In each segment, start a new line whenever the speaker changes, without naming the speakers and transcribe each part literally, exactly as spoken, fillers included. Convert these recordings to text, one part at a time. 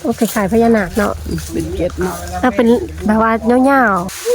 โอ้คล้ายๆพญานาคเนาะ
เป็นเกล็ดเนาะ
ถ้าเป็นแบบว่าเงา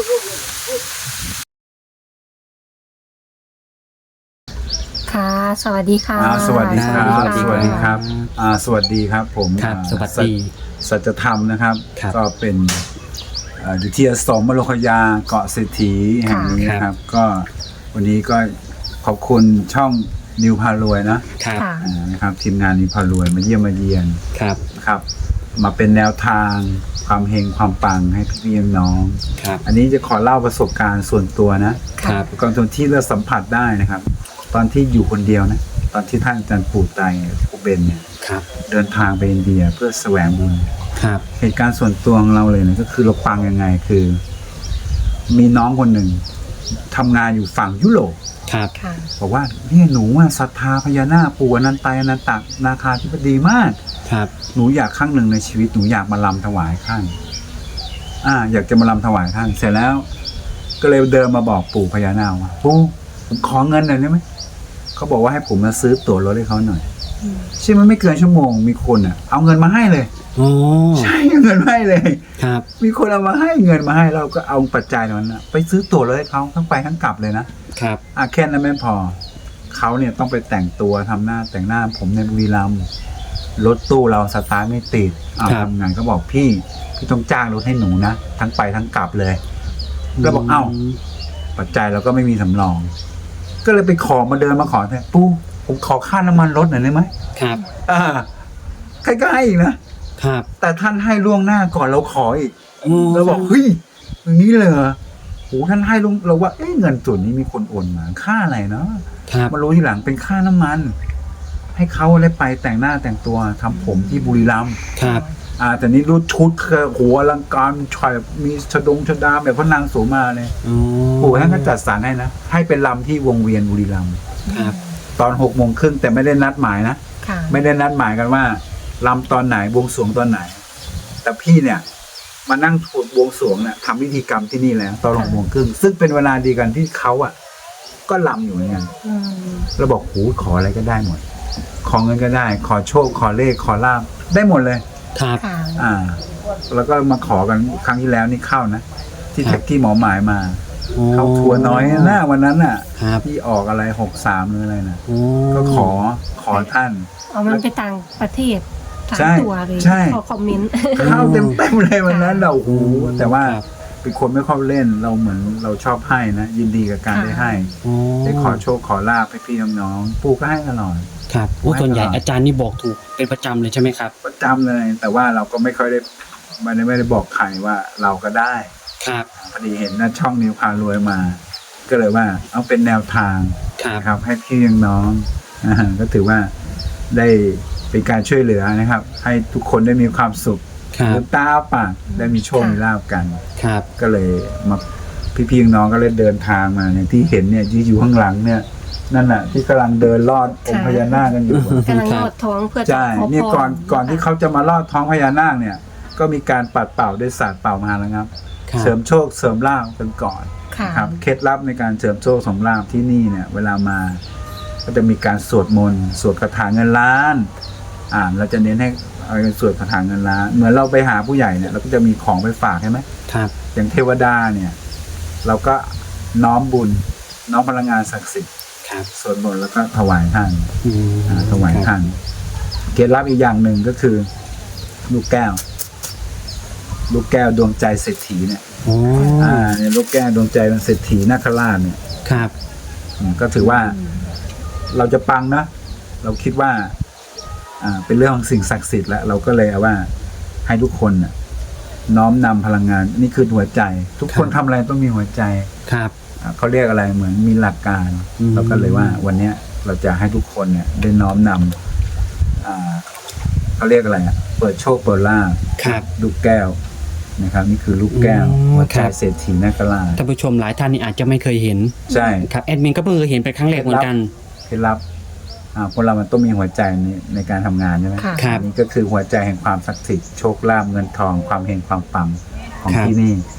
ๆค่ะสวัสดีค่ะ
สวัสดีครับสวัสดีครับสวัสดีครับผม
ครับสวัสดี
สัจธรรมนะครับก็เป็นอยู่ที่อสมมโลคยาเกาะเศรษฐีแห่งนี้นะครับก็วันนี้ก็ขอบคุณช่องนิวพารวยนะครับนะครับทีมงานนิวพารวยมาเยี่ยมมาเยียน
ครับ
ครับมาเป็นแนวทางความเฮงความปังให้พี่ๆน้อง
ครับ
อันนี้จะขอเล่าประสบการณ์ส่วนตัวนะครับก่อนที่เราสัมผัสได้นะครับตอนที่อยู่คนเดียวนะตอนที่ท่านอาจารย์ปู่ไตรปู่เบนเนี่ยเดินทางไปอินเดียเพื่อแสวงบุญ
ครับ
เหตุการณ์ส่วนตัวของเราเลยเนี่ยก็คือเราปังยังไงคือมีน้องคนหนึ่งทำงานอยู่ฝั่งยุโรป
ครับ
บอกว่าเนี่ยหนูอ่ะศรัทธาพญานาคปู่อนันตายอนันตนาคาธิบดีมาก
ครับ
หนูอยากครั้งหนึ่งในชีวิตหนูอยากมาลำถวายท่านอ่าอยากจะมาลำถวายท่านเสร็จแล้วก็เลยเดินมาบอกปู่พญานาคว่าปู่ผมขอเงินหน่อยได้ไหมเขาบอกว่าให้ผมมาซื้อตั๋วรถให้เขาหน่อยใช่ไหมไม่เกินชั่วโมงมีคนอ่ะเอาเงินมาให้เลย
โอ้
ใช่เงินมาให้เลย
ครับ
มีคนเอามาให้เงินมาให้เราก็เอาปัจจัยนั้นนะไปซื้อตั๋วรถให้เขาทั้งไปทั้งกลับเลยนะครับอ่ะแค่นั้นไม่พอเขาเนี่ยต้องไปแต่งตัวทำหน้าแต่งหน้าผมในบุรีรัมย์รถตู้เราสตาร์ทไม่ติดเอาทำงานก็บอกพี่พี่ต้องจ้างรถให้หนูนะทั้งไปทั้งกลับเลยแล้วบอกเอ้าปัจจัยเราก็ไม่มีสำรองก็เลยไปขอมาเดินมาขอแทนปู่ผมขอค่าน้ำมันรถหน่อยได้ไหม
ครับ
อ่าใครก็ให้อีกนะครับแต่ท่านให้ล่วงหน้าก่อนเราขออีกเราบอกเฮ้ยอย่างนี้เลยโอ้ท่านให้ลุงเราว่าเอ๊ะเงินส่วนนี้มีคนโอนมาค่าอะไรเนาะมารู้ทีหลังเป็นค่าน้ำมันให้เขาได้ไปแต่งหน้าแต่งตัวทำผมที่บุรีรัมย์
ครับ
อ่าแต่นี้รู้ชุดคือหัวอลังการชอยมีชดงชดาแบบพระนางโสมาเลยโอ้ท่านก็จัดสรรให้นะให้เป็นลำที่วงเวียนบุรีรัมย์
ครับ
ตอนหกโมงครึ่งแต่ไม่ได้นัดหมายนะไม่ได้นัดหมายกันว่าลำตอนไหนบวงสรวงตอนไหนแต่พี่เนี่ยมานั่งถูดบวงสรวงเนี่ยทำพิธีกรรมที่นี่แล้วตอนหกโมงครึ่งซึ่งเป็นเวลาดีกันที่เขาอ่ะก็ลำอยู่เหมือนกันเราบอกหูขออะไรก็ได้หมดขอเงินก็ได้ขอโชคขอเลขขอลาภได้หมดเลย
ครับ
อ่าแล้วก็มาขอกันครั้งที่แล้วนี่เข้านะที่แท็กที่หมอหมายมาเขาทัวน้อยหน้าวันนั้นน่ะที่ออกอะไรหกสามหรืออะไรนะก็ขอขอท่าน
เอามันไปต่างประเทศทางตัวเลยขอคอมเมนต์
เข้าเต็มเต็มเลยวันนั้นเราโอ้แต่ว่าเป็นคนไม่ค่อยเล่นเราเหมือนเราชอบให้นะยินดีกับการได้ให้ได้ขอโชคขอลาภให้พี่น้องๆปู่ก็ให้ตลอด
ครับโอ้ส่วนใหญ่อาจารย์นี่บอกถูกเป็นประจำเลยใช่ไหมครับ
ประจำเลยแต่ว่าเราก็ไม่ค่อยได้ไม่ได้ไม่ได้บอกใครว่าเราก็ได้
ครับ
พอดีเห็นนะช่องนิวพารวยมาก็เลยว่าเอาเป็นแนวทางครับให้พี่น้องก็ถือว่าได้เป็นการช่วยเหลือนะครับให้ทุกคนได้มีความสุขลืมตาปากได้มีโชคมีลาภกัน
ครับ
ก็เลยมาพี่ๆน้องก็เลยเดินทางมาอย่างที่เห็นเนี่ยที่อยู่ข้างหลังเนี่ยนั่นน่ะที่กำลังเดินลอดองค์พญานาคกันอยู่
กำลังลอดท้องเพื่อ
ใช่เนี่ยก่อนก่อนที่เขาจะมาลอดท้องพญานาคเนี่ยก็มีการปัดเป่าด้วยศาสตร์เป่ามาแล้วครับเสริมโชคเสริมลาภกันก่อนครับเคล็ดลับในการเสริมโชคเสริมลาภที่นี่เนี่ยเวลามาก็จะมีการสวดมนต์สวดคาถาเงินล้านอ่าเราจะเน้นให้เอาสวดคาถาเงินล้านเหมือนเราไปหาผู้ใหญ่เนี่ยเราก็จะมีของไปฝากใช่ไหม
ครับ
อย่างเทวดาเนี่ยเราก็น้อมบุญน้อมพลังงานศักดิ์สิทธิ์สวดมนต์แล้วก็ถวายท่านถวายท่านเคล็ดลับอีกอย่างหนึ่งก็คือลูกแก้วลูกแก้วดวงใจเศรษฐีเนี่ยอ่าเนี่ยลูกแก้วดวงใจเป็นเศรษฐีนาคราชเนี่ย
ครับ
ก็ถือว่าเราจะปังนะเราคิดว่าอ่าเป็นเรื่องของสิ่งศักดิ์สิทธิ์แล้วเราก็เลยเอาว่าให้ทุกคนน่ะน้อมนำพลังงานนี่คือหัวใจทุกคนทำอะไรต้องมีหัวใจ
ครับ
เขาเรียกอะไรเหมือนมีหลักการเราก็เลยว่าวันนี้เราจะให้ทุกคนเนี่ยได้น้อมนำอ่าเขาเรียกอะไรอ่ะเปิดโชคเปิดลาภลูกแก้วนะครับนี่คือลูกแก้วหัวใจเศรษฐีนาคราช
ท่านผู้ชมหลายท่านนี่อาจจะไม่เคยเห็น
ใช่
ครับแอดมินก็เพิ่งเคยเห็นเป็นครั้งแรกเหมือนกัน
เคล็ดลับอ่าคนเรามันต้องมีหัวใจในในการทำงานใช่ไหม
ครับ
นี่ก็คือหัวใจแห่งความศักดิ์สิทธิ์โชคลาภเงินทองความเฮงความปังของที่นี่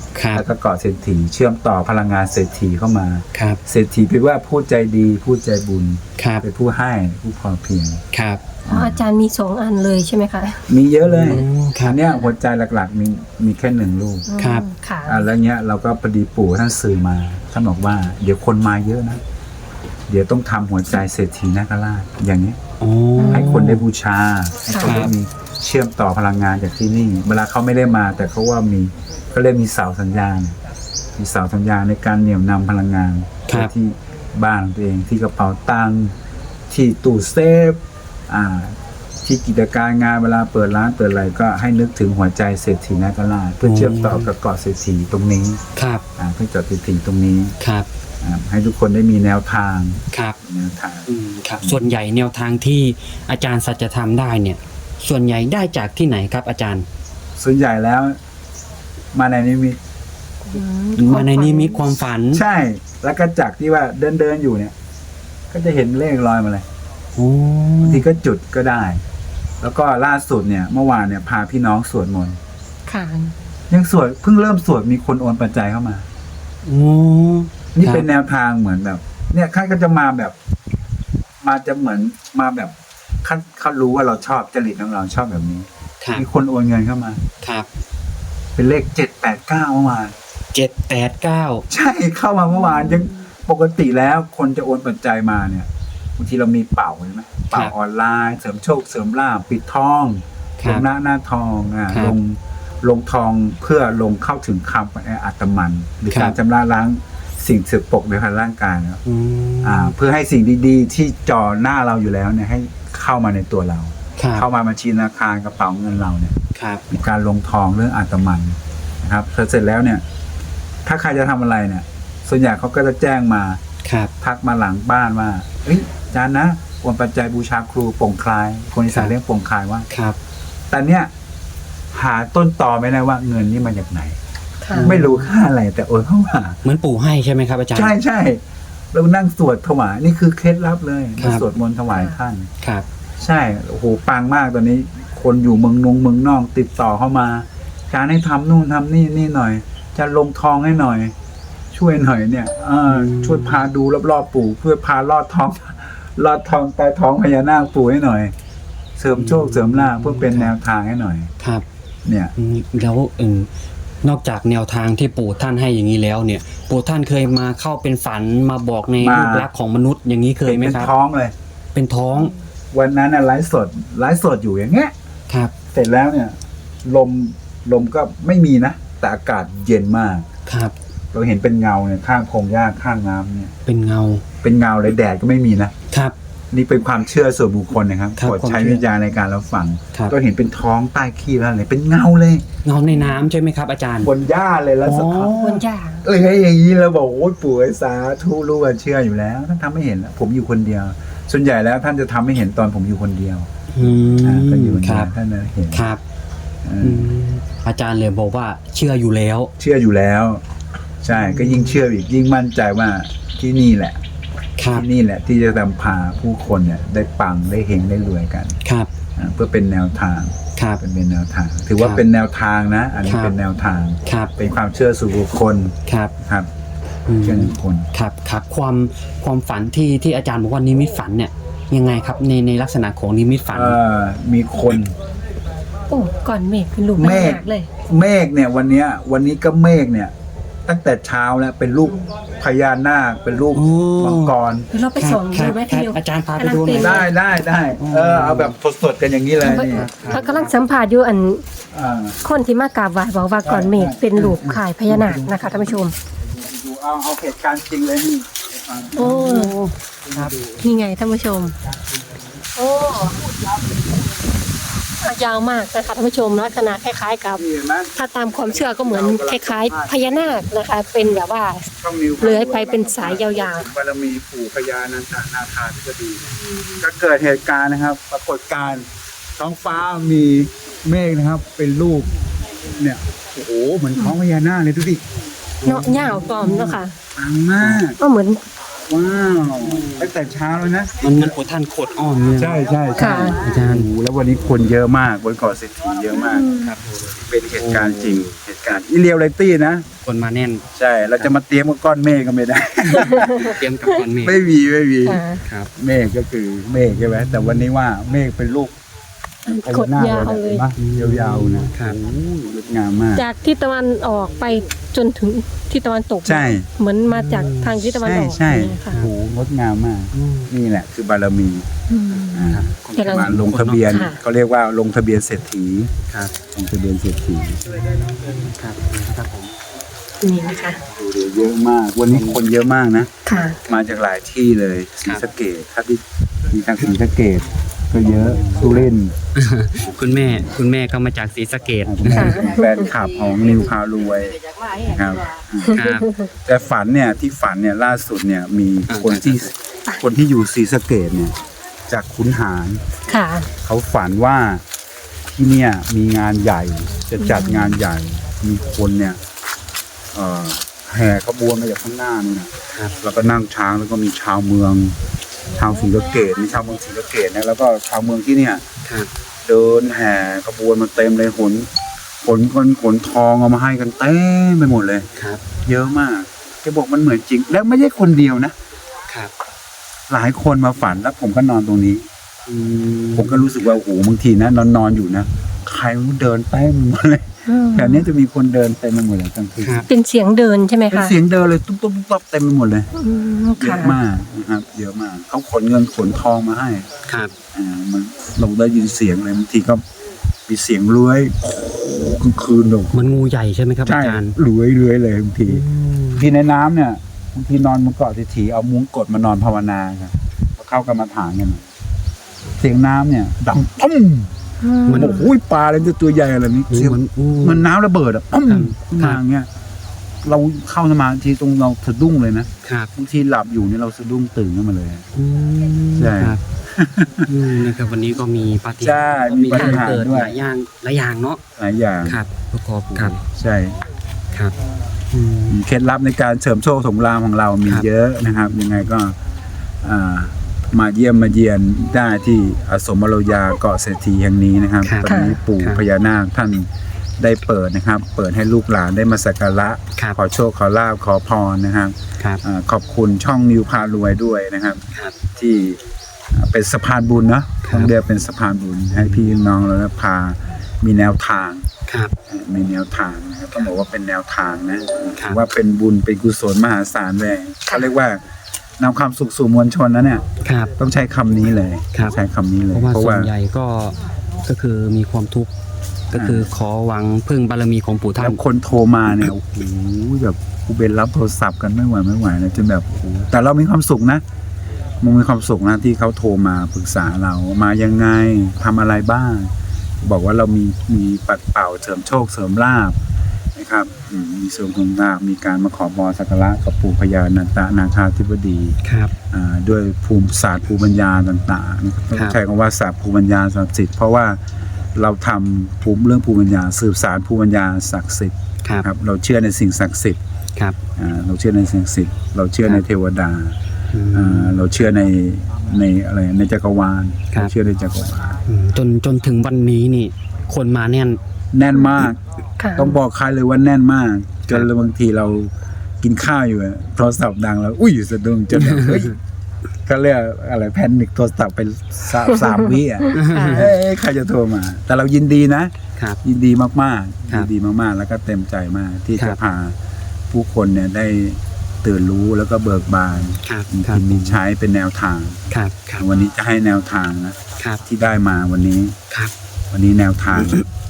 ครับ
แล้วก็เกาะเศรษฐีเชื่อมต่อพลังงานเศรษฐีเข้ามา
ครับ
เศรษฐีแปลว่าผู้ใจดีผู้ใจบุญ
ครับ
เป็นผู้ให้ผู้พอเพียง
ครับ
อ๋ออาจารย์มีสองอันเลยใช่ไหมคะ
มีเยอะเลย
อืมครับ
อันเนี้ยหัวใจหลักๆมีมีแค่หนึ่งลูก
ครับ
อืมค่ะ
อ่าแล้วเนี้ยเราก็พอดีปู่ท่านสื่อมาท่านบอกว่าเดี๋ยวคนมาเยอะนะ เดี๋ยวต้องทำหัวใจเศรษฐีนาคราชอย่างนี้
โอ้
ให้คนได้บูชาให้คน
ครั
ได้
บ
มีเชื่อมต่อพลังงานจากที่นี่ เวลาเขาไม่ได้มา แต่เขาว่ามีก็เรียกมีเสาสัญญาณ มีเสาสัญญาณในการเหนี่ยวนำพลังงานไปที่บ้านของตัวเองที่กระเป๋าตังค์ที่ตู้เซฟอ่า ที่กิจการงานเวลาเปิดร้านเปิดอะไรก็ให้นึกถึงหัวใจเศรษฐีนาคราชเพื่อเชื่อมต่อกับเกาะเศรษฐีตรงนี้
ครับ
อ่าเพื่อเกาะเศรษฐีตรงนี้
ครับ
อ่าให้ทุกคนได้มีแนวทาง
ครับ
แนวทาง
อืมครับ ส่วนใหญ่แนวทางที่อาจารย์สัจธรรมได้เนี่ย ส่วนใหญ่ได้จากที่ไหนครับอาจารย์
ส่วนใหญ่แล้วมาในนิมิต
อื
มาในนิมิตความฝัน
ใช่ แล้วก็จากที่ว่าเดินเดินๆอยู่เนี่ย ก็จะเห็นเลขลอยมาเลย
โอ้
บางทีก็จุดก็ได้ แล้วก็ล่าสุดเนี่ย เมื่อวานเนี่ยพาพี่น้องสวดมนต์
ค่ะ
ยังสวดเพิ่งเริ่มสวดมีคนโอนปัจจัยเข้ามา
โอ้
นี่
ครับ
เป็นแนวทางเหมือนแบบ เนี่ยข้าก็จะมาแบบ มาจะเหมือนมาแบบเขาเขารู้ว่าเราชอบจริตของเราชอบแบบนี้
ครับ
มีคนโอนเงินเข้ามา
ครับ
เป็นเลขเจ็ดแปดเก้าเมื่อวาน
เจ็ดแปดเก้า
ใช่เข้ามาเมื่อวานยังปกติแล้วคนจะโอนปัจจัยมาเนี่ยบางทีเรามีเป่าใช่ไหมเป่าออนไลน์เสริมโชคเสริมลาภปิดทอง
ค
ล
รับ
งหน้าหน้าทองอ่ะ
ครับ
ลงลงทองเพื่อลงเข้าถึงคำแออัตมันหรือ
ครับ
การชำระล้างสิ่งสึกปรกในภายร่างกายเนอะ
อืม
อ่า เพื่อให้สิ่งดีๆ ที่จ่อหน้าเราอยู่แล้วเนี่ยให้เข้ามาในตัวเรา
ครับ
เข้ามาบัญชีธนาคารกระเป๋าเงินเราเนี่ย
ครับ
มีการลงทองเรื่องอัตมันนะครับพอเสร็จแล้วเนี่ย ถ้าใครจะทำอะไรเนี่ย ส่วนใหญ่เขาก็จะแจ้งมา
ครับ
ทักมาหลังบ้านว่าเฮ้ยอาจารย์นะโอนปัจจัยบูชาครูโป่งคลาย คนอีสานเรียกโป่งคลายว่า
ครับ
แต่เนี่ยหาต้นตอไม่ได้ว่าเงินนี่มาจากไหน
ค่ะ
ไม่รู้ค่าอะไรแต่โอนเข้ามา
เหมือนปู่ให้ใช่ไหมครับอาจารย์
ใช่ใช่เรานั่งสวดถวายนี่คือเคล็ดลับเลย
ครับ
สวดมนต์ถวายท่าน
ครับ
ใช่โอ้โหปังมากตอนนี้ คนอยู่เมืองนงเมืองนอกติดต่อเข้ามาการให้ทำนู่นทำนี่นี่หน่อย จะลงทองให้หน่อย ช่วยหน่อยเนี่ยเออช่วยพาดูรอบๆปู่เพื่อพาลอดท้อง ลอดท้องใต้ท้องพญานาคปู่ให้หน่อย เสริมโชคเสริมลาภเพื่อเป็นแนวทางให้หน่อย
ครับ
เนี่ย
อืมแล้วเออนอกจากแนวทางที่ปู่ท่านให้อย่างนี้แล้วเนี่ย ปู่ท่านเคยมาเข้าเป็นฝันมาบอกใน
มา
รูปลักษณ์ของมนุษย์อย่างนี้เคยไหม
เป็น
ครับ
ท้องเลย
เป็นท้อง
วันนั้นน่ะไลฟ์สดไลฟ์สดอยู่อย่างเงี้ย
ครับ
เสร็จแล้วเนี่ย ลมลมก็ไม่มีนะแต่อากาศเย็นมาก
ครับ
เราเห็นเป็นเงาเนี่ยข้างพงหญ้าข้างน้ำเนี่ย
เป็นเงา
เป็นเงาเลยแดดก็ไม่มีนะครับ นี่เป็นความเชื่อส่วนบุคคลนะครับ
ครับ
โปรดใช้
ความเชื่อ
วิจารณ์ในการรับฟัง
ครับ
ก็เห็นเป็นท้องใต้ขี้แล้วเลยเป็นเงาเลย
เงาในน้ำใช่ไหมครับ อาจารย์
บนหญ้าเลยแล้วสะท้อน
บนย่า
เอ้ยอย่างนี้เราบอกโอ้ยปู่ไอ้สาธุรู้ว่าเชื่ออยู่แล้วท่านทำไม่เห็นอะผมอยู่คนเดียว ส่วนใหญ่แล้วท่านจะทำให้เห็นตอนผมอยู่คนเดียว
อื
อ่าม ก็อยู่คน
ค
เดีย
รั
ว
บ
ท่านนะเห็น
ครับ
เอ
อื
อ
มอาจารย์เลยบอกว่าเชื่ออยู่แล้ว
เชื่ออยู่แล้ว ใช่ก็ยิ่งเชื่ออีกยิ่งมั่นใจว่าที่นี่แหละ
ครับ
ที่นี่แหละที่จะนำพาผู้คนเนี่ยได้ปังได้เฮงได้รวยกัน
ครับ
อ่าเพื่อเป็นแนวทาง
ครับ
เป็นเป็นแนวทาง ถือว่า
ครับ
เป็นแนวทางนะ อันนี้
ครับ
เป็นแนวทาง
ครับ
เป็นความเชื่อส่วนบุคคล
ครับ
ครับ
อืม
เชื่อบุคคล
ครับครับความความฝันที่ที่อาจารย์บอกว่านิมิตฝันเนี่ยยังไงครับในในลักษณะของนิมิตฝัน
เอ่อมีคน
โอ้ก่อนเมฆเป็นรูป
เมฆ
หนักเลย
เมฆเนี่ยวันเนี้ย วันนี้ก็เมฆเนี่ย ตั้งแต่เช้าแล้วเป็นรูปพญานาคเป็นรูป
โอ้
มังกร
เดี๋ยวเราไปส่อง
ครั
ดู
บ
ไหม
ครั
พี่
บ
ดิว
อาจารย์พาไปดูหน่อย
กำลังเป็น
ได้ได้ได้เออเอาแบบสดๆกันอย่างนี้เลยนี่
เขากำลังสัมผัสอยู่อัน
อ่า
คนที่มากราบไหว้บอกว่าก่อนเมฆเป็นรูปขายพญานาคนะคะท่านผู้ชม
ดูเอาเอาเหตุการณ์จริงเลยนี่อ่า
โอ้
ครับ
นี่ไงท่านผู้ชม โอ้ยาวมากนะคะท่านผู้ชมลักษณะคล้ายๆกับ
นี่เห็นไหม
ถ้าตามความเชื่อก็เหมือนคล้ายๆพญานาคนะคะ เป็นแบบว่า
ช่องนิว
เลื้อยไปเป็นสายยาว
ๆบารมีปู่พญานันทนาคาธิบดีก็เกิดเหตุการณ์นะครับ ปรากฏการณ์ท้องฟ้ามีเมฆนะครับ เป็นรูปเนี่ยโอ้โหเหมือนท้องพญานาคเลยดูดิ
ๆเนาะยาวปลอมเนาะค่ะ
ปังมาก
ก็เหมือน
ว้าวตั้งแต่เช้าเลยนะ
มันมันปู่ท่านโคตรอ้อมเนี่ย
ใช่ใช่ใช่
อาจารย์
โอ้โหแล้ววันนี้คนเยอะมากบนเกาะเศรษฐีเยอะมาก
ครับ
เป็นเหตุการณ์จริงเหตุการณ์อีเรียลไลตี้นะ
คนมาแน่น
ใช่เราจะมาเตรียมกับก้อนเมฆก็ไม่ได้
เตรียมกับคนเมฆ
ไม่มีไม่มี
ค่ะ
ครับ
เมฆก็คือเมฆใช่ไหมแต่วันนี้ว่าเมฆเป็นลูกพ
ก
ญา
ด
นาค
ยาว
เลย
เล
เห็
ย
นปะยาวๆนะครับ โอ้โหงดงามมาก
จากทิศตะวันออกไปจนถึงทิศตะวันตก
ใช่
เหมือนมาจากทางทิศตะวัน
ใช่
ออก
ใช่
เนี่ยค่ะ
โอ้โหงดงามมาก
อืม
นี่แหละคือบารมี
อืม
อ่า
กำลัง
มาลงทะเบียน
ค่ะ
เขาเรียกว่าลงทะเบียนเศรษฐี
ครับ
ลงทะเบียนเศรษฐี
ครับครับผม
นี่นะคะ
ดูดิเยอะมาก วันนี้คนเยอะมากนะ
ค่ะ
มาจากหลายที่เลยศรีสะเกษถ้าที่มีทางศรีสะเกษก็เยอะสุรินทร์
คุณแม่คุณแม่ก็มาจากศรีสะเกษ
อ่าคุณแม่เป็นแฟนคลับของนิวพารวยนะครับ
ครับ
แต่ฝันเนี่ยที่ฝันเนี่ยล่าสุดเนี่ยมีคนที่คนที่อยู่ศรีสะเกษเนี่ยจากขุนหาร
ค่ะ
เขาฝันว่าที่เนี่ยมีงานใหญ่ จะจัดงานใหญ่ มีคนเนี่ยเอ่อแห่ขบวนมาจากข้างหน้านี่นะครับ แล้วก็นั่งช้างแล้วก็มีชาวเมือง ชาวศรีสะเกษมีชาวเมืองศรีสะเกษนะแล้วก็ชาวเมืองที่เนี่ย
ครับ
เดินแห่ขบวนมาเต็มเลยขนขนคนขนทองเอามาให้กันเต็มไปหมดเลย
ครับ
เยอะมากแกบอกมันเหมือนจริง แล้วไม่ใช่คนเดียวนะ
ครับ
หลายคนมาฝันแล้วผมก็นอนตรงนี้
อืม
ผมก็รู้สึกว่าโอ้โหบางทีนะนอนนอนๆอยู่นะใครไม่รู้เดินเต็มหมดเลย
อืม
แถวนี้จะมีคนเดินเต็มไปหมดเลยกลางคืน
ครับ
เป็นเสียงเดินใช่ไหม
เป็น
คะ
เสียงเดินเลยตุ๊บตุ๊บตุ๊บตุ๊บเต็มไปหมดเลย
อืม
เย
ค่ะ
อะมากนะครับเยอะมากเขาขนเงินขนทองมาให้
ครับ
อ่ามันเราได้ยินเสียงเลยบางทีก็มีเสียงเลื้อยโอ้โหกลางคืนแบบ
มันงูใหญ่ใช่ไหมครับ
ใช่
อาจารย์
เลื้อยเลื้อยเลยบางที
อืม
บางทีในน้ำเนี่ยบางทีนอนบนเกาะเศรษฐีเอามุ้งกดมานอนภาวนาครับพอเข้ากรรมฐานกันเสียงน้ำเนี่ยดังปุ้ม
อืม
มันโอ้โหปลาอะไรตัวใหญ่อะไรนี้เสียง
มันอู้
มันน้ำระเบิดอ่ะปุ้ม
ครับ
ขึ้นมาอย่างเงี้ยเราเข้าสมาธิตรงเราสะดุ้งเลยนะครับ บางทีหลับอยู่เนี่ยเราสะดุ้งตื่นขึ้นมาเลย
อืม
ใช่
ครับอืมนะครับวันนี้ก็มีปาฏิ
ใช่
หาริย์
มีปาฏิหาริย์
เกิด
ด้วย
หลายอย่างหลายอย่างเนาะ
หลายอย่าง
ครับ ประกอบครับ
ใช่
ครับอืม
เคล็ดลับในการเสริมโชคสมรามของเรามี
ครับ
เยอะนะครับ ยังไงก็อ่ามาเยี่ยมมาเยียนได้ที่อสมโรยาเกาะเศรษฐีแห่งนี้นะครับ
ครับ
ตอนนี้ปู่
ครับ
พญานาคท่านได้เปิดนะครับ เปิดให้ลูกหลานได้มาสักการะ
ครับ
ขอโชคขอลาบขอพรนะครับ
ครับ
อาขอบคุณช่องนิวพารวยด้วยนะครับ
ครับ
ที่อ่าเป็นสะพานบุญเนาะ
ครับ
ต้องเรียกเป็นสะพานบุญให้พี่น้องเราได้พามีแนวทาง
ครับ
มีแนวทางนะครับต้องบอกว่าเป็นแนวทางนะถือว่าเป็นบุญเป็นกุศลมหาศาลเลยเขาเรียกว่านำความสุขสู่มวลชนนะเนี่ย
ครับ
ต้องใช้คำนี้เลย
ครับ
ใช้คำนี้เลย
เพราะว่าส่วนใหญ่ก็ก็คือมีความทุกข์ก็คือขอหวังพึ่งบารมีของปู่ท่า
แล้
น
วคนโทรมาเนี่ยโอ้โหแบบกูเบนรับโทรศัพท์กันไม่ไหวไม่ไหวนะจนแบบโอ้โหแต่เรามีความสุขนะมันมีความสุขนะที่เขาโทรมาปรึกษาเรามายังไงทำอะไรบ้าง บอกว่าเรามีมีปัดเป่าเสริมโชคเสริมลาภนะครับอืมมีเสริมของลาภมีการมาขอพรสักการะกับปู่พญานันตนาคาธิบดี
ครับ
อ่าด้วยภูมิศาสตร์ภูมิปัญญาต่างๆนะครับต้อง
ครับ
ใช้คำว่าศาสตร์ภูมิปัญญาศักดิ์สิทธิ์เพราะว่าเราทำภูมิเรื่องภูมิปัญญาสืบสารภูมิปัญญาศักดิ์สิทธิ์
ครับ
ครับเราเชื่อในสิ่งศักดิ์สิทธิ์
ครับ
อ่าเราเชื่อในสิ่งศักดิ์สิทธิ์เราเชื่อ
ครับ
ในเทวดา
อืม
อ่าเราเชื่อในในอะไรในจักรวาล
ครับ
เราเชื่อในจักรวาล
อืมจนจนถึงวันนี้นี่ คนมาแน่น
แน่นมาก
ค่ะ
ต้องบอกใครเลยว่าแน่นมาก จนบางทีเรากินข้าวอยู่อะโทรศัพท์ดังแล้วอุ้ยสะดุ้งจนแบบเฮ้ยก็เรียกอะไรแพนิคโทรศัพท์ไปสามสามวิอ่ะ
ค่ะ
เอ้ยใครจะโทรมา แต่เรายินดีนะครับ ยินดีมากๆ
ครั
ยิ
บ
นดีมากๆ แล้วก็เต็มใจมากที่
ครั
จะ
บ
พาผู้คนเนี่ยได้ตื่นรู้แล้วก็เบิกบาน
ครับ
มี
ครับ
กินมีใช้เป็นแนวทาง
ครับครับ
วันนี้จะให้แนวทางนะครับ ที่ได้มาวันนี้
ครับ
วันนี้แนวทาง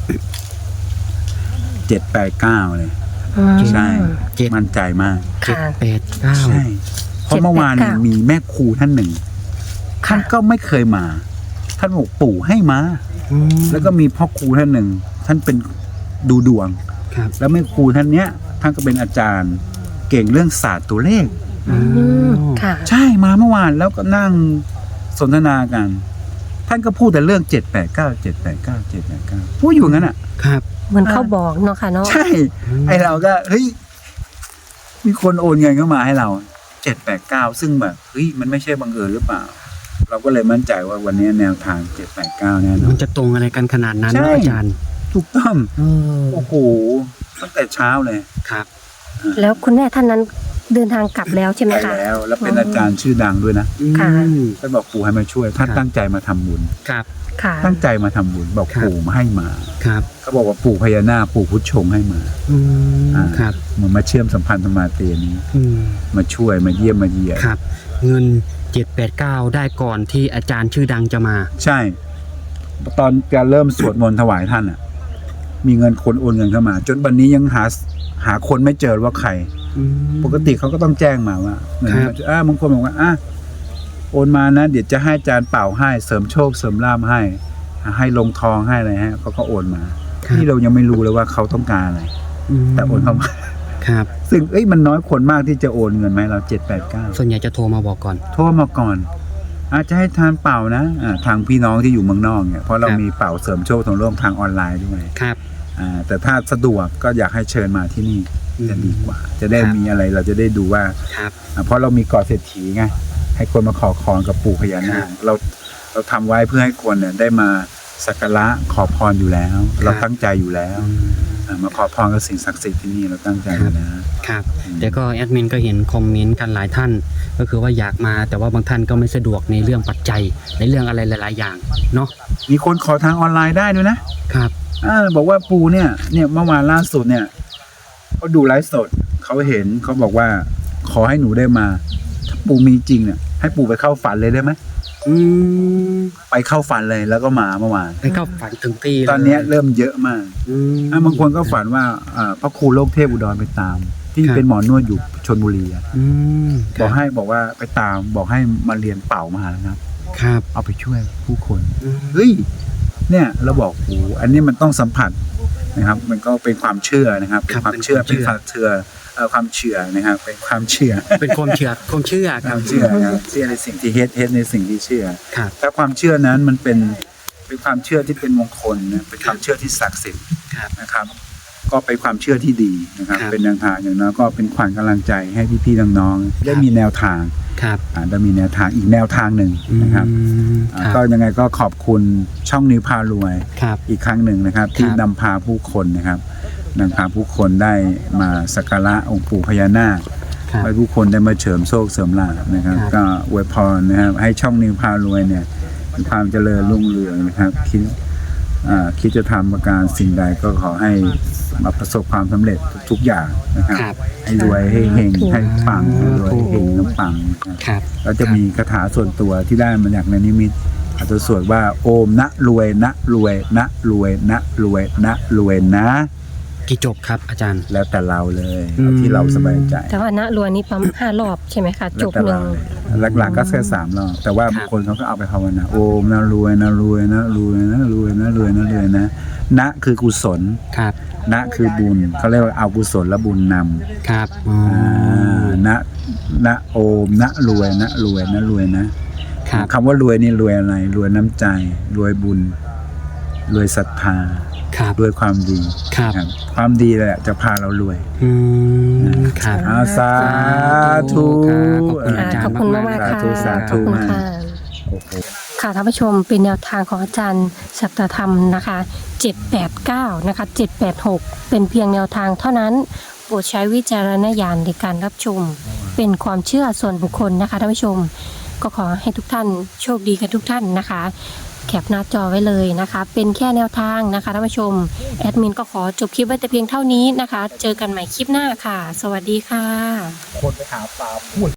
เจ็ดแปดเก้าเลย
อืม
ใช่
เจ็ด
มั่นใจมาก
เจ็ด
ค่ะ
แปดเก้า
ใช่ เพราะเมื่อวานเนี่ย
เจ็ดแปดเก้ามี
มีแม่ครูท่านหนึ่ง ท่านก็ไม่เคยมา ท่านบอกปู่ให้มา
อืม
แล้วก็มีพ่อครูท่านหนึ่ง ท่านเป็นดูดวง
ครับ
แล้วแม่ครูท่านเนี้ย ท่านก็เป็นอาจารย์ เก่งเรื่องศาสตร์ตัวเลข
อืมค่ะ
ใช่มาเมื่อวานแล้วก็นั่งสนทนากัน ท่านก็พูดแต่เรื่องเจ็ดแปดเก้าเจ็ดแปดเก้าเจ็ดแปดเก้าพูดอยู่งั้นอ่ะ
ครับ
เหมือนเขาบอกเนาะค่ะเนาะ
ใช่ ไอเราก็เฮ้ยมีคนโอนเงินเข้ามาให้เราเจ็ดแปดเก้าซึ่งแบบเฮ้ยมันไม่ใช่บังเอิญหรือเปล่า เราก็เลยมั่นใจว่าวันนี้แนวทางเจ็ดแปดเก้าแน่นอ
มัน นจะตรงอะไรกันขนาดนั้น
ใช่
เนาะอาจารย์
ถูกต้อง
เออ
โอ้โหตั้งแต่เช้าเลย
ครับ
แล้วคุณแม่ท่านนั้นเดินทางกลับแล้วใช่ไหม
ไป
คะ
แล้ว แล้วเป็นอาจารย์ชื่อดังด้วยนะ
ค่ะ
อืม
ท่านบอกปู่ให้มาช่วยท่าน
ครับ
ตั้งใจมาทำบุญ
ครับ
ค่ะ
ตั้งใจมาทำบุญบอก
ครับ
ปู่มาให้มา
ครับ
เขาบอกว่าปู่พญานาคปู่พุทธชงให้มา
อืม
อ่า
ครับ
เหมือนมาเชื่อมสัมพันธ์ธรรมาเตนี้
อืม
มาช่วยมาเยี่ยมมาเยียน
ครับ เงินเจ็ดแปดเก้าได้ก่อนที่อาจารย์ชื่อดังจะมา
ใช่ ตอนการเริ่มสวดมนต์ถวายท่านอ่ะ มีเงินคนโอนเงินเข้ามา จนวันนี้ยังหาหาคนไม่เจอว่าใคร
อืม
ปกติเขาก็ต้องแจ้งมาว่าเหมือน
ครับ
อ่าบางคนบอกว่าอ่ะโอนมานะ เดี๋ยวจะให้อาจารย์เป่าให้เสริมโชคเสริมลาภให้ ให้ลงทองให้อะไรฮะเขาก็โอนมา
ครับ
ที่เรายังไม่รู้เลยว่าเขาต้องการอะไร
ม
แต่โอนเข้ามา
ครับ
ซึ่งเอ้ยมันน้อยคนมากที่จะโอนเงินมาให้เราเจ็ดแปดเก้า
ส่วนใหญ่จะโทรมาบอกก่อน
โทรมาก่อน อาจจะให้ทานเป่านะอ่าทางพี่น้องที่อยู่เมืองนอกเนี่ยเพราะเรา
ครับ
มีเป่าเสริมโชคทางโลกทางออนไลน์ด้วย
ครับ
อ่าแต่ถ้าสะดวกก็อยากให้เชิญมาที่นี่
อืม
จะดีกว่า จะได้
ครับ
มีอะไรเราจะได้ดูว่า
ครับ
อ่าเพราะเรามีเกาะเศรษฐีไงให้คนมาขอพรกับปู่พญานา
ครั
ค
บ
เราเราทำไว้เพื่อให้คนเนี่ยได้มาสักการะขอพรอยู่แล้ว เราตั้งใจอยู่แล้ว
อืม
อ่ามาขอพรกับสิ่งศักดิ์สิทธิ์ที่นี่เราตั้งใจอยู่แล้ว
ครับแต่ก็แอดมินก็เห็นคอมเมนต์กันหลายท่าน ก็คือว่าอยากมาแต่ว่าบางท่านก็ไม่สะดวกในเรื่องปัจจัยในเรื่องอะไรหลาย ๆ อย่างเนาะ
มีคนขอทางออนไลน์ได้ด้วยนะครับ อ่าบอกว่าปู่เนี่ยเนี่ยเมื่อวานล่าสุดเนี่ยเขาดูไลฟ์สดเขาเห็นเขาบอกว่าขอให้หนูได้มา ถ้าปู่มีจริงเนี่ยให้ปู่ไปเข้าฝันเลยได้ไหม
อืม
ไปเข้าฝันเลยแล้วก็มาเมื่อวาน
ไปเข้าฝันถึงตีเลย
ตอนเนี้ยเริ่มเยอะมาก
อืม
อ่ะบางคนก็ฝันว่าอ่าพระครูโลกเทพอุดรไปตาม ที่
ครับ
เป็นหมอนวดอยู่ชลบุรีอะ
อืม
บอกให้บอกว่าไปตามบอกให้มาเรียนเป่ามหาแล้วครับ
ครับ
เอาไปช่วยผู้คน
อืม
เฮ้ยเนี่ยเราบอกโอ้โหอันนี้มันต้องสัมผัสนะครับ มันก็เป็นความเชื่อนะครับเป็นความเชื่อเป็นความเชื่อเอ่อความเชื่อนะครับเป็นความเชื่อ
เป็นความเชื่อความเชื่อ
ค
ครั
วา
บ
มเชื่อนะครับเชื่อในสิ่งที่เฮ็ดเฮ็ดในสิ่งที่เชื่อ
ครับ
ถ้าความเชื่อนั้นมันเป็นเป็นความเชื่อที่เป็นมงคลนะเป็นความเชื่อที่ศักดิ์สิทธิ์
ครับ
นะครับ ก็เป็นความเชื่อที่ดีนะครับ
ครับ
เป็นแนวทางอย่างน้อยก็เป็นขวัญกำลังใจให้พี่ๆน้องๆได้มีแนวทาง
ครับ
อ่าได้มีแนวทางอีกแนวทางหนึ่งนะครับ
อืม
อ่า
ครับ
ก็ยังไงก็ขอบคุณช่องนิวพารวย
ครับ
อีกครั้งหนึ่งนะครับ ที่
ครับ
นำพาผู้คนนะครับนำพาผู้คนได้มาสักการะองค์ปู่พญานาค
ครับ
ให้ผู้คนได้มาเฉิมโชคเสริมลาภนะครับ
ครับ
ก็อวยพรนะครับให้ช่องนิวพารวยเนี่ยมีความเจริญรุ่งเรืองนะครับคิดอ่าคิดจะทำประการสิ่งใดก็ขอให้มาประสบความสำเร็จทุกๆอย่างนะครับ
ครับ
ให้รวยให้เฮงให้ปังให้รวยให้เฮงน้ำปังนะครับ
ครับ
เราจะมีคาถาส่วนตัวที่ได้มาจากในนิมิตอาจจะสวดว่าโอมนะรวยนะรวยนะรวยนะรวยนะรวยนะ
กี่จบครับอาจารย์
แล้วแต่เราเลย
อืม
เอาที่เราสบายใจ
แต่ว่าณรวยนี้ปั๊มห้ารอบใช่ไหมคะ
แล้
จ
ว
บ
แต่
หนึ่
เรา
ง
เลยหลักๆก็แค่สามรอบแต่ว่า
ครับ
บางคนเขาก็เอาไปภาวนาโอมนะรวยนะรวยนะรวยนะรวยนะรวยนะรวยนะนะคือกุศล
ครับ
นะคือบุญเขาเรียกว่าเอากุศลและบุญนำ
ครับอ๋อ
อ่านะนะโอมนะรวยนะรวยนะรวยนะครับ คำว่ารวยนี่รวยอะไร รวยน้ำใจ รวยบุญ รวยศรัทธา
ครับ
รวยความดี
ครับ
ครับความดีแหละจะพาเรารวย
อืมครับ
อาสาธุ
ครับขอบคุณอาจารย์
ค่ะขอบคุณมากๆค่ะ
สาธุสา
ข
ธุ
อบคุณ
มาก
ค่ะ
โอ้โห
ค่ะท่านผู้ชมเป็นแนวทางของอาจารย์สัตธรรมนะคะเจ็ดแปดเก้านะคะเจ็ดแปดหกเป็นเพียงแนวทางเท่านั้นโปรดใช้วิจารณญาณในการรับชม เป็นความเชื่อส่วนบุคคลนะคะท่านผู้ชม ก็ขอให้ทุกท่านโชคดีกันทุกท่านนะคะ แคปหน้าจอไว้เลยนะคะ เป็นแค่แนวทางนะคะท่านผู้ชมแอดมินก็ขอจบคลิปไว้แต่เพียงเท่านี้นะคะ เจอกันใหม่คลิปหน้าค่ะ สวัสดีค่ะ
คนไปหาปลาพูด